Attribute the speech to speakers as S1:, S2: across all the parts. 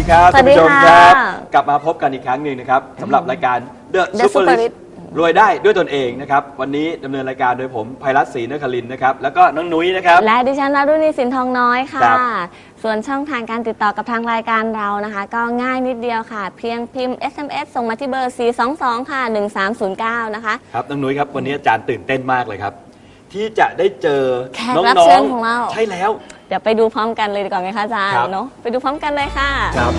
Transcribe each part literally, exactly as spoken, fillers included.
S1: ครับท่านผู้ชมครับกลับมาพบกันอีกครั้งหนึ่งนะครับสำหรับรายการ The Superlist รวยได้ด้วยตนเองนะครับวันนี้ดำเนินรายการโดยผมไพรัตน์ ศรีนครินทร์นะครับแล้วก็น้องนุ้ยนะครับ
S2: และดิฉันวรุณีสินทองน้อยค่ะส่วนช่องทางการติดต่อกับทางรายการเรานะคะก็ง่ายนิดเดียวค่ะเพียงพิมพ์ เอส เอ็ม เอส ส่งมาที่เบอร์ สี่ สอง สอง ค่ะ หนึ่ง สาม ศูนย์ เก้า นะคะ
S1: ครับน้องนุ้ยครับวันนี้อาจารย์ตื่นเต้นมากเลยครับที่จะได้เจอ
S2: แขกรับเชิญของเรา
S1: ใช่แล้ว
S2: เดี๋ยวไปดูพร้อมกันเลยดีกว่าไหมคะอาจารย์เนาะไปดูพร้อมกันเลยค่ะ
S1: ครับ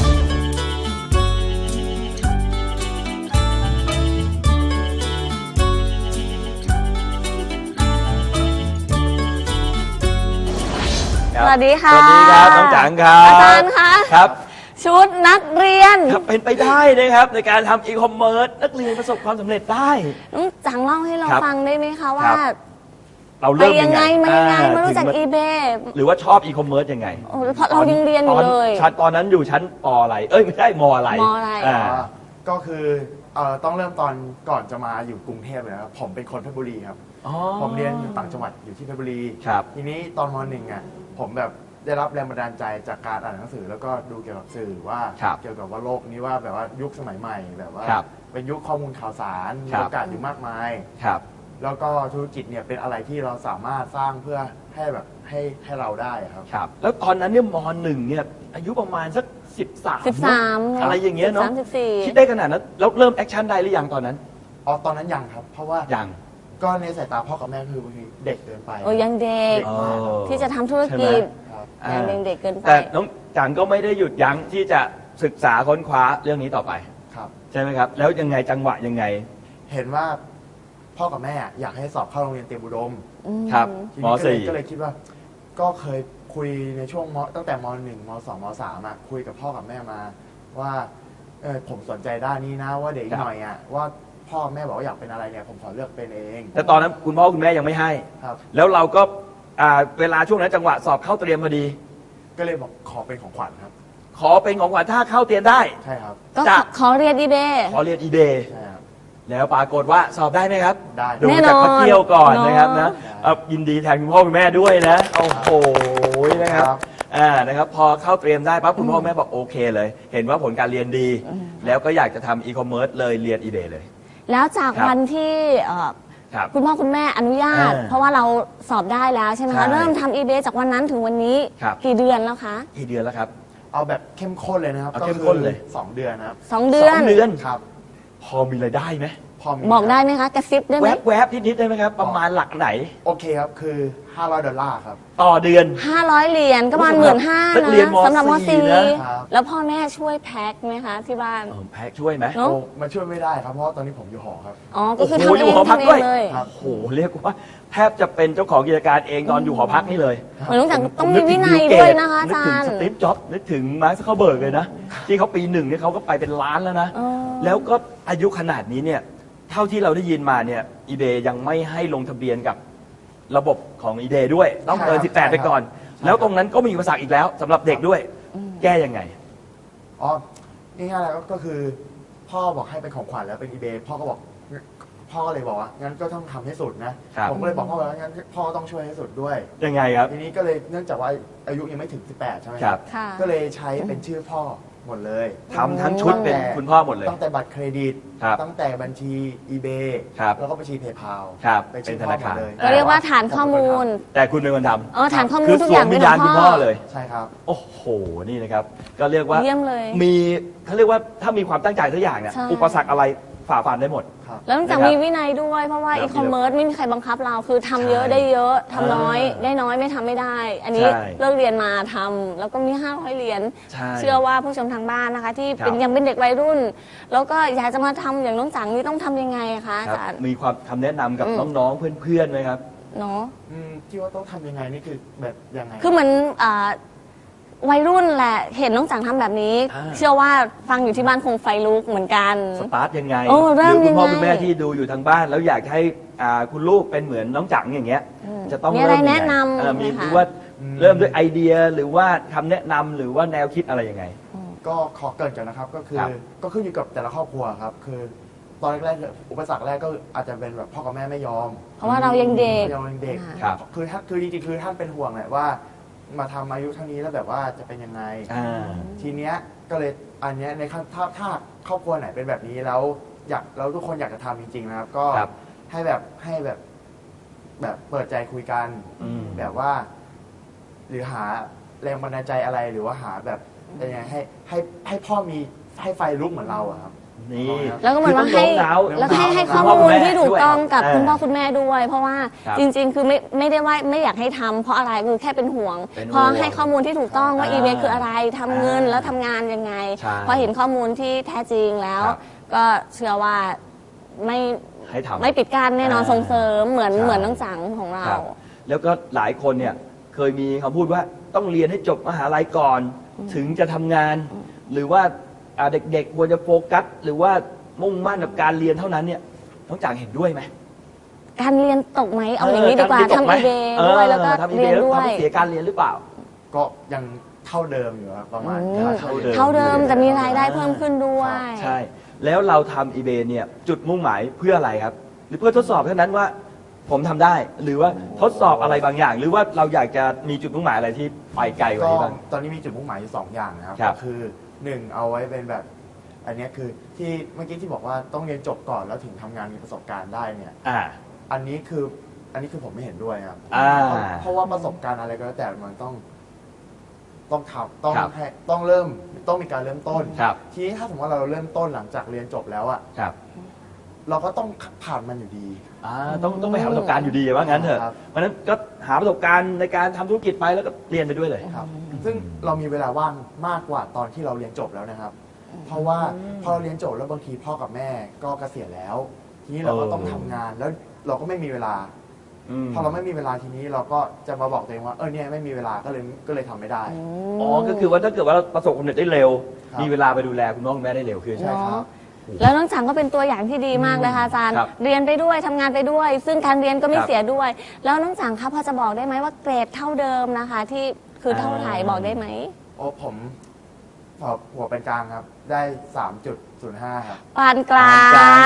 S2: สวัสดีค่ะ
S1: สวัสดีครับน้องจังครับ
S2: อาจารย์คะ
S1: ครับ
S2: ชุดนักเรียน
S1: เป็นไปได้นะครับในการทำอีคอมเมิร์ซนักเรียนประสบความสำเร็จได้
S2: น้องจังเล่าให้เราฟังได้ไหมคะว่า
S1: เราเริ่มยังไง
S2: มายังไงมารู้จักอีเบ
S1: หรือว่าชอบอีคอมเมิร์ซยังไง
S2: เพราะเรายังเรียนอยู่เลย
S1: ชั้นตอนนั้นอยู่ชั้นป.อะไรเอ้ยไม่ใช่ม.อะไร
S2: ม.อะไร
S3: ก็คือเอ่อต้องเริ่มตอนก่อนจะมาอยู่กรุงเทพเลยครับผมเป็นคนเพชรบุรีครับผมเรียนอยู่ต่างจังหวัดอยู่ที่เพชรบุรีทีนี้ตอนม.หนึ่งอ่ะผมแบบได้รับแรงบันดาลใจจากการอ่านหนังสือแล้วก็ดูเกี่ยวกับสื่อว่าเกี่ยวกับว่าโลกนี้ว่าแบบว่ายุคสมัยใหม่แบบว่าเป็นยุคข้อมูลข่าวสารมีโอกาสอยู่มากมายแล้วก็ธุรกิจเนี่ยเป็นอะไรที่เราสามารถสร้างเพื่อให้แบบให้ให้เราได้ครับ
S1: ครับแล้วตอนนั้นเนี่ยม.หนึ่งเนี่ยอายุประมาณสักสิบสาม
S2: สิบสาม
S1: อะไรอย่างเงี้ยเนาะ
S2: สิบสี่
S1: คิดได้ขนาดนั้นแล้วเริ่มแอคชั่นได้หรือยังตอนนั้น
S3: อ๋อตอนนั้นยังครับเพราะว่า
S1: ยัง
S3: ก็ในสายตาพ่อกับแม่คือบางทีเด็กเกินไป
S2: โอ้ยังเด็กที่จะทำธุรกิจยังเด็กเกินไป
S1: แต่น้องจังก็ไม่ได้หยุดยั้งที่จะศึกษาค้นคว้าเรื่องนี้ต่อไป
S3: ครับ
S1: ใช่ไหมครับแล้วยังไงจังหวะยังไง
S3: เห็นว่าพ่อกับแม่อยากให้สอบเข้าโรงเรียนเตรียมอุดม
S1: ครับม.สี่
S3: ก็เลยคิดว่าก็เคยคุยในช่วงมตั้งแต่ม.หนึ่งม.สองม.สามอ่ะคุยกับพ่อกับแม่มาว่าเออผมสนใจด้านนี้นะว่าเด็กหน่อยอ่ะว่าพ่อแม่บอกว่าอยากเป็นอะไรเนี่ยผมขอเลือกเป็นเอง
S1: แต่ตอนนั้นคุณพ่อคุณแม่ยังไม่ให้
S3: ครับ
S1: แล้วเราก็เวลาช่วงนั้นจังหวะสอบเข้าเตรียมพอดี
S3: ก็เลยบอกขอเป็นของขวัญครับ
S1: ขอเป็นของขวัญถ้าเข้าเตรียมได้
S3: ใช่ครับ
S2: ก็ขอเรียนอีเบ
S1: ขอเรียนอีเบ
S3: ใช่ครับ
S1: แล้วปรากฏว่าสอบได้ไหมครับ
S3: ได้
S1: ดูจากพักเที่ยวก่อนนะครับนะยินดีแทนคุณพ่อคุณแม่ด้วยนะโอ้โหนะครับอ่านะครับพอเข้าเตรียมได้ปั๊บคุณพ่อแม่บอกโอเคเลยเห็นว่าผลการเรียนดีแล้วก็อยากจะทำอีคอมเมิร์ซเลยเรียนอีเบเลย
S2: แล้วจากวันที่คุณพ่อคุณแม่อนุญาตเพราะว่าเราสอบได้แล้วใช่ไหมคะเริ่มทำอีเบจากวันนั้นถึงวันนี้กี่เดือนแล้วคะ
S1: กี่เดือนแล้วครับ
S3: เอาแบบเข้มข้นเลยนะครับ
S1: เข้มข้นเลย
S3: สองเดือนนะครับ
S2: สองเดือน
S1: สองเดือน
S3: ครับ
S1: พอมีรายได้ไหม
S2: บอกได้ไหมคะกระซิบได้ไหม
S1: แวบๆนิดๆได้ไหมครับประมาณหลักไหน
S3: โอเคครับคือห้าร้อยดอลลาร์ครับ
S1: ต่อเดือน
S2: ห้าร้อยเหรียญก็ประมาณหมื่นห้านะสำหรับม.สี่แล้วพ่อแม่ช่วยแพ็คไหมคะที่บ้าน
S1: แพ็คช่วยไหม
S3: โอ้มันช่วยไม่ได้ครับเพราะตอนนี้ผมอยู่หอครับ
S2: อ๋อก็คือทำเองทำเองเลย
S1: โอ้โหเรียกว่าแทบจะเป็นเจ้าของกิจการเองตอนอยู่หอพักนี่เลย
S2: เหมือนต้องต้องมีวินัยด้วยนะคะอาจารย์
S1: นึกถึงสตีฟจ็อบส์นึกถึงมาร์ค ซักเคอร์เบิร์กเลยนะที่เขาปีหนึ่งเนี่ยเขาก็ไปเป็นล้านแล้วนะแล้วก็อายุขนาดนี้เนี่ยเท่าที่เราได้ยินมาเนี่ยอีเบยังไม่ให้ลงทะเบียนกับระบบของอีเบด้วยต้องเกินสิบแปดไปก่อนแล้วตรงนั้นก็มีอุปสรรคอีกแล้วสำหรับเด็กด้วยแก้ยังไง
S3: อ๋อง่ายๆแล้วก็คือพ่อบอกให้เป็นของขวัญแล้วเป็นอีเบพ่อก็บอกพ่อก็เลยบอกว่างั้นก็ต้องทำให้สุดนะผมก็เลยบอกพ่อว่างั้นพ่อต้องช่วยให้สุดด้วย
S1: ยังไงครับ
S3: ทีนี้ก็เลยเนื่องจากว่าอายุยังไม่ถึงสิบแปดใช่ไหมครับก็เลยใช้เป็นชื่อพ่อหมดเลย
S1: ทำทั้งชุดเป็นคุณพ่อหมดเลย
S3: ตั้งแต่บัตรเครดิตตั้งแต่บัญชี eBay แล้วก็บัญชี PayPal
S1: เป็นธนาคารเลย
S2: ก็เรียกว่าฐานข้อมูล
S1: แต่คุณเป็นคนท
S2: ำเออฐานข้อมูลทุกอย่าง
S1: เป็นของคุณพ่อเลย
S3: ใช่ครับ
S1: โอ้โหนี่นะครับก็เรียกว่า
S2: เยี่ยมเลย
S1: มีเขาเรียกว่าถ้ามีความตั้งใจทุกอย่างเนี่ยอุปสรรคอะไรฝ่าฟันได้หมด
S2: แล้วจากมีวินัยด้วยเพราะว่าอีคอมเมิร์ซไม่มีใครบังคับเราคือทำเยอะได้เยอะทำน้อยได้น้อยไม่ทำไม่ได้ อันนี้เลิกเรียนมาทำแล้วก็มีห้าร้อยเหรียญเชื่อว่าผู้ชมทางบ้านนะคะที่เป็นยังเป็นเด็กวัยรุ่นแล้วก็อยากจะมาทำอย่างน้องจังนี่ต้องทำยังไงคะอาจารย์
S1: มีความคำแนะนำกับน้องๆเพื่อนๆไหมครับ
S2: เนาะ
S3: ที่ว่าต้องทำยังไงนี่คือแบบยังไง
S2: คือเหมือนวัยรุ่นแหละเห็นน้องจังทำแบบนี้เชื่อว่าฟังอยู่ที่บ้านคงไฟลุกเหมือนกัน
S1: สตาร์ทยังไงหรือคุณพ่อคุณแม่ที่ดูอยู่ทางบ้านแล้วอยากให้คุณลูกเป็นเหมือนน้องจังอย่างเงี้ยจะต้อง
S2: มีอะไรแนะนำ
S1: มีหรือว่าเริ่มด้วยไอเดียหรือว่าคำแนะนำหรือว่าแนวคิดอะไรยังไง
S3: ก็ขอเกิดกันนะครับก็คือก็ขึ้นอยู่กับแต่ละครอบครัวครับคือตอนแรกๆอุปสรรคแรกก็อาจจะเป็นแบบพ่อกับแม่ไม่ยอม
S2: เพราะว่าเรายังเด็ก
S3: เรายังเด็กคือท่านคือจริงๆคือท่านเป็นห่วงแหละว่ามาทำอายุเท่านี้แล้วแบบว่าจะเป็นยังไงทีเนี้ยก็เลยอันเนี้ยในขั้นถ้าถ้าครอบครัวไหนเป็นแบบนี้แล้วอยากแล้วทุกคนอยากจะทำจริงๆนะครับ ก็
S1: ครับ
S3: ให้แบบให้แบบแบบเปิดใจคุยกัน
S1: อืม
S3: แบบว่า หรือหาแรงบันดาลใจอะไรหรือว่าหาแบบยังไงให้ให้ให้พ่อมีให้ไฟลุกเหมือนเราอะครับ
S1: นี่
S2: แล้วก็เหมือนว่าให้
S1: คือต้องโน้มน้าว
S2: แล้วให้ให้
S3: โน้
S2: ข้อ
S3: มน้าว
S2: มูลที่ถูกต้องกับ
S1: ด้วย
S2: คุณพ่อคุณแม่ด้วย เพราะว่า
S1: ครับ
S2: จริง ๆ คือไม่ไม่ได้ว่าไม่อยากให้ทำเพราะอะไรคือแค่เป็นห่วง
S1: เป็นห่วง
S2: พอให้ข้อมูลที่ถูกต้องว่า
S1: อ่า
S2: อีเมลคืออะไรทำเงิน
S1: อ่า
S2: แล้วทำงานยังไง
S1: ใช่
S2: พอเห็นข้อมูลที่แท้จริงแล้ว
S1: ครับ
S2: ก็เชื่อว่าไม่
S1: ให้ทำ
S2: ไม่ปิดกั้นแน่นอน
S1: อ่า
S2: ส่งเสริมเหมือน
S1: ใช่
S2: เหมือนน้องจังของเรา
S1: ครับแล้วก็หลายคนเนี่ยเคยมีคำพูดว่าต้องเรียนให้จบมหาลัยก่อน ถึงจะทำงาน หรือว่าอ่าเด็กๆควรจะโฟกัส หรือว่ามุ่งมั่นกับการเรียนเท่านั้นเนี่ยน้องจางเห็นด้วยไหม
S2: การเรียนตกไหมเอาอย่างนี้ดีกว่า
S1: เออ
S2: ทำอีเบด้วยแล้วก็
S1: ทำ
S2: เรียน
S1: แล้ว
S2: ด้วย
S1: ทำให้เสียการเรียนหรือเปล่า
S3: ก็ยังเท่าเดิมอยู่ครับประมาณ
S2: อืม
S3: เท่าเดิม
S2: เท่าเดิมแต่มีรายได้เพิ่มขึ้นด้วย
S1: ใช่ แล้วเราทำ eBay เนี่ยจุดมุ่งหมายเพื่ออะไรครับ หรือเพื่อทดสอบเท่านั้นว่าผมทำได้ หรือว่าทดสอบอะไรบางอย่าง หรือว่าเราอยากจะมีจุดมุ่งหมายอะไรที่ไปไกลกว่า
S3: ก็
S1: นี้บ้าง
S3: ตอนนี้มีจุดมุ่งหมายอยู่สองอย่างนะครับ
S1: ครับ
S3: ก็คือหนึ่งเอาไว้เป็นแบบ อันเนี้ยคือที่เมื่อกี้ที่บอกว่าต้องเรียนจบก่อนแล้วถึงทำงานมีประสบการณ์ได้เนี่ย
S1: อ่า
S3: อันนี้คืออันนี้คือผมไม่เห็นด้วยครับ
S1: อ่า
S3: เพราะเพราะว่าประสบการณ์อะไรก็แล้วแต่มันต้อง ต้องทำต้อง
S1: ครับ
S3: ให้ต้องเริ่มต้องมีการเริ่มต้น
S1: ครับ
S3: ทีนี้ถ้าสมมติว่าเราเริ่มต้นหลังจากเรียนจบแล้วอะ
S1: ครับ
S3: เราก็ต้องผ่านมันอยู่ดี
S1: อ่าต้องต้องไปหาประสบการณ์อยู่ดีว่างั้นเถอะ
S3: ครับ
S1: เพราะฉะนั้นก็หาประสบการณ์ในการทำธุรกิจไปแล้วก็เรียนไปด้วยเลย
S3: ครับ ซึ่งเรามีเวลาว่างมากกว่าตอนที่เราเรียนจบแล้วนะครับ เพราะว่าพอเราเรียนจบแล้วบางทีพ่อกับแม่ก็เกษียณแล้ว ทีนี้เราก็
S1: เออ
S3: ต้องทำงานแล้วเราก็ไม่มีเวลา
S1: ม
S3: พอเราไม่มีเวลาทีนี้เราก็จะมาบอกตัวเองว่าเออเนี่ยไม่มีเวลาก็เลยก็เลยทำไม่ได้
S1: อ๋อ ก็คือว่าถ้าเกิดว่าเราประสบความสำเร็จได้เร็ว
S3: ครับ
S1: มีเวลาไปดูแลคุณพ่อคุณแม่ได้เร็วขึ้น
S3: ใช่ครับ
S2: แล้วน้องจังก็เป็นตัวอย่างที่ดีมากเลยค่ะอาจารย์
S1: ครับ
S2: เรียนไปด้วยทำงานไปด้วย ซึ่งการเรียนก็ไม่
S1: ครับ
S2: เสียด้วย แล้วน้องจังคะพอจะบอกได้ไหมว่าเกรดเท่าเดิมนะคะ ที่คือเท่าไหร่
S1: อ่า
S2: บอกได้ไหม
S3: โอ้ผมสอบหัวเป็นกลางครับ ได้ สามจุดศูนย์ห้า ครับ
S2: ปานกลาง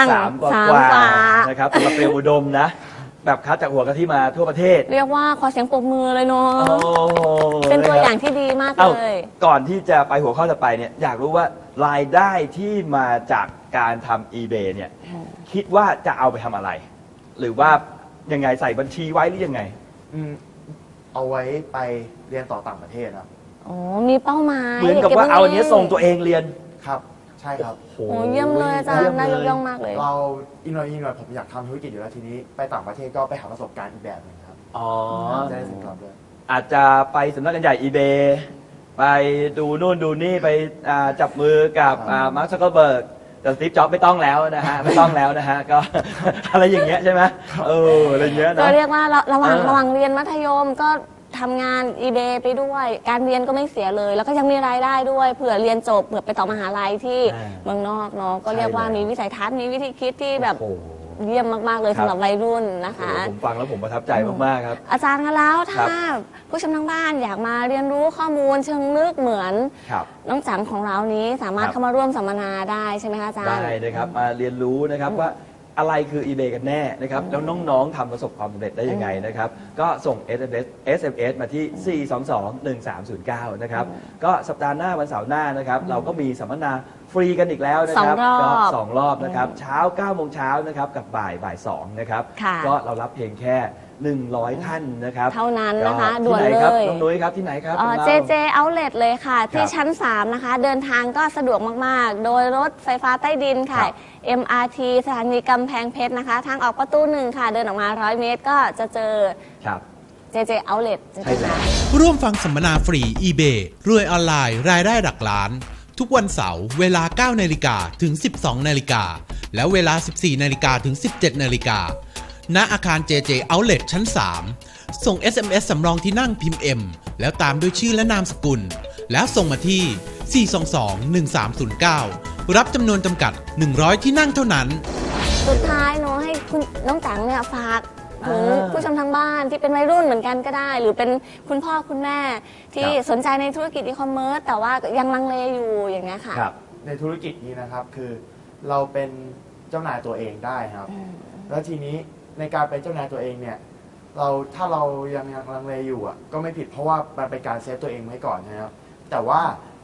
S1: สามกว่า
S2: สาม
S1: กว่า
S2: ฝา
S1: นะครับสำหรับเปรียวอุดมนะ แบบคัดจากหัวกะทิมาทั่วประเทศ
S2: เรียกว่าขอเสียงปรบมือเลยเนาะ
S1: โอ้
S2: เป็นตัว
S1: ะครับ
S2: อย่างที่ดีมาก
S1: เอ้า
S2: เลย
S1: ก่อนที่จะไปหัวข้อต่อไปเนี่ยอยากรู้ว่ารายได้ที่มาจากการทำ eBay เนี่ยคิดว่าจะเอาไปทำอะไร หรือว่ายังไงใส่บัญชีไว้หรือยังไง
S3: อืมเอาไว้ไปเรียนต่อต่างประเทศครับ
S2: อ๋อ มีเป้าหมาย
S1: เหมือนกับว่าเอาอันเนี้ยส่งตัวเองเรียน
S3: ครับ ใช่ครับ
S2: โอ้เยี่ยมเลยอาจารย์น่ายกย่องมากเลย
S3: เราอีกหน่อยอีกหน่อยผมอยากทำธุรกิจอยู่แล้วทีนี้ไปต่างประเทศก็ไปหาประสบการณ์อีกแบบหนึงครับ
S1: อ๋อ
S3: จะได้สินค้าด้วย
S1: อาจจะไปสำนักงานใหญ่ eBay ไปดูนู่นดูนี่ไปอ่าจับมือกับ
S3: ครับ
S1: มาร์คซักเกอร์เบิร์กแต่สตีฟจ็อบไม่ต้องแล้วนะฮะ ไม่ต้องแล้วนะฮะ ก็ อะไรอย่างเงี้ยใช่ไหมเอออะไรอย่างเงี้ย
S2: ก็
S1: นะ
S2: เรียกว่าระระหว่าง
S1: เออ
S2: ระหว่างเรียนมัธยมก็ทำงาน eBay ไปด้วย การเรียนก็ไม่เสียเลย แล้วก็ยังมีรายได้ด้วยเผื่อเรียนจบเผื่อไปต่อมหาลัยที่
S1: อ่า
S2: เมืองนอกเนาะก็เรียกว่า
S1: ใช่เลย
S2: มีวิสัยทัศน์มีวิธีคิดที่แบบ
S1: โอ้โห
S2: เยี่ยมมากๆเลย
S1: ครับ
S2: สำหรับวัยรุ่นนะคะ
S1: โอ้โหผมฟังแล้วผมประทับใจมากๆครับ
S2: อาจารย์คะแล้ว
S1: ครั
S2: ถ้า
S1: บ
S2: ผู้ชมทางบ้านอยากมาเรียนรู้ข้อมูลเชิงลึกเหมือน
S1: ครับ
S2: น้องจังของเรานี้สามารถ
S1: ครับ
S2: เข้ามาร่วมสัมมนาได้ใช่ไหมคะอาจารย์
S1: ได้นะครับมาเรียนรู้นะครับว่าอะไรคือ eBay กันแน่นะครับแล้วน้องๆทำประสบความสำเร็จได้ยังไงนะครับก็ส่ง เอส เอ็ม เอส เอส เอ็ม เอส มาที่ สี่ สอง สอง หนึ่ง สาม ศูนย์ เก้า นะครับก็สัปดาห์หน้าวันเสาร์หน้านะครับเราก็มีสัมมนาฟรีกันอีกแล้วนะครับ
S2: สองรอบ
S1: ก็สองรอบนะครับเช้าเก้าโมงเช้านะครับกับบ่ายบ่ายสองนะครับ
S2: ค่ะ
S1: ก็เรารับเพียงแค่หนึ่งร้อยท่านนะครับ
S2: เท่านั้นนะคะ
S1: ก็
S2: ด่วน
S1: ที่ไหครับ
S2: เลย
S1: น้องนุ้ยครับที่ไหนครับ
S2: เอ่อ
S1: ของ
S2: เจ
S1: รา
S2: เจ Outlet เลยค่ะ ที่
S1: ครับ
S2: ชั้น สาม นะคะ เดินทางก็สะดวกมาก ๆ โดยรถไฟฟ้าใต้ดินค่ะ
S1: ครับ
S2: เอ็ม อาร์ ที สถานีกำแพงเพชรนะคะ ทางออกประตูหนึ่งค่ะ เดินออกมา ร้อย เมตรก็จะเจอ
S1: ครับ
S2: เจ เจ Outlet จะ
S1: ใช่แล้ว
S4: ร่วมฟังสัมมนาฟรี eBay รวยออนไลน์รายได้หลักล้าน ทุกวันเสาร์เวลา เก้านาฬิกาถึง สิบสองนาฬิกาและเวลา สิบสี่นาฬิกาถึง สิบเจ็ดนาฬิกาณอาคาร เจ เจ Outlet ชั้น สาม ส่ง เอส เอ็ม เอส สำรองที่นั่งพิมพ์ M แล้วตามด้วยชื่อและนามสกุล แล้วส่งมาที่ สี่ สอง สอง หนึ่ง สาม ศูนย์ เก้า รับจำนวนจำกัด หนึ่งร้อย ที่นั่งเท่านั้น
S2: สุดท้ายเนาะให้คุณน้องจังเนี่ยฝากถึง
S1: อ่า
S2: ผู้ชมทางบ้านที่เป็นวัยรุ่นเหมือนกันก็ได้ หรือเป็นคุณพ่อคุณแม่ที่
S1: ครับ
S2: สนใจในธุรกิจอีคอมเมิร์ซแต่ว่ายังลังเลอยู่อย่างเงี้ยค่ะ
S1: ครับ
S3: ในธุรกิจนี้นะครับคือเราเป็นเจ้านายตัวเองได้ครับ แล้วทีนี้ในการเป็นเจ้านายตัวเองเนี่ยเราถ้าเรายังยังลังเลอยู่อ่ะก็ไม่ผิดเพราะว่ามันเป็นการเซฟตัวเองไว้ก่อนนะครับแต่ว่า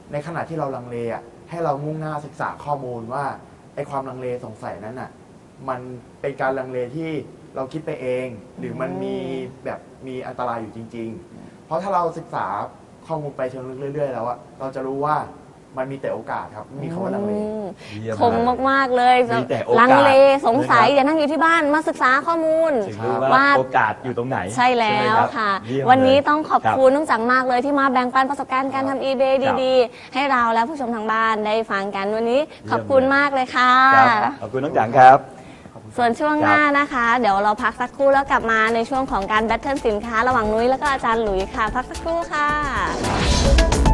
S3: ในขณะที่เราลังเลอ่ะให้เรามุ่งหน้าศึกษาข้อมูลว่าไอ้ความลังเลสงสัยนั้นอ่ะมันเป็นการลังเลที่เราคิดไปเอง หรือมันมีแบบมีอันตรายอยู่จริง ๆ เพราะถ้าเราศึกษาข้อมูลไปเชิงลึกเรื่อยๆแล้วอะเราจะรู้ว่ามันมีแต่โอกาสครับไม่มีคำว่าลังเล
S2: คมมากๆเลย
S1: มีแต่โอกาส
S2: ลังเลสงสัย
S1: นะครับ
S2: อย่านั่งอยู่ที่บ้านมาศึกษาข้อมูล
S1: ถึงรู้
S2: ว่า
S1: ว่าโอกาสอยู่ตรงไหน
S2: ใช่แล้ว
S1: ไหมรับ
S2: ค่ะ
S1: เยี่ยม
S2: วันนี้
S1: เลย
S2: ต้องขอบ
S1: รับ
S2: คุณน้องจังมากเลยที่มาแบ่งปันประสบการณ์การทำ eBay
S1: ครับ
S2: ดีๆ ให้เราและผู้ชมทางบ้านได้ฟังกันวันนี้ ขอบคุณ
S1: เยี่ยมเลย
S2: มากเลยค่ะ
S1: ครับขอบคุณน้องจังครับ
S2: ส่วนช่วงหน้านะคะ เดี๋ยวเราพักสักครู่แล้วกลับมาในช่วงของการแบทเทิลสินค้าระหว่างนุ้ยแล้วก็อาจารย์หลุยส์ค่ะ พักสักครู่ค่ะ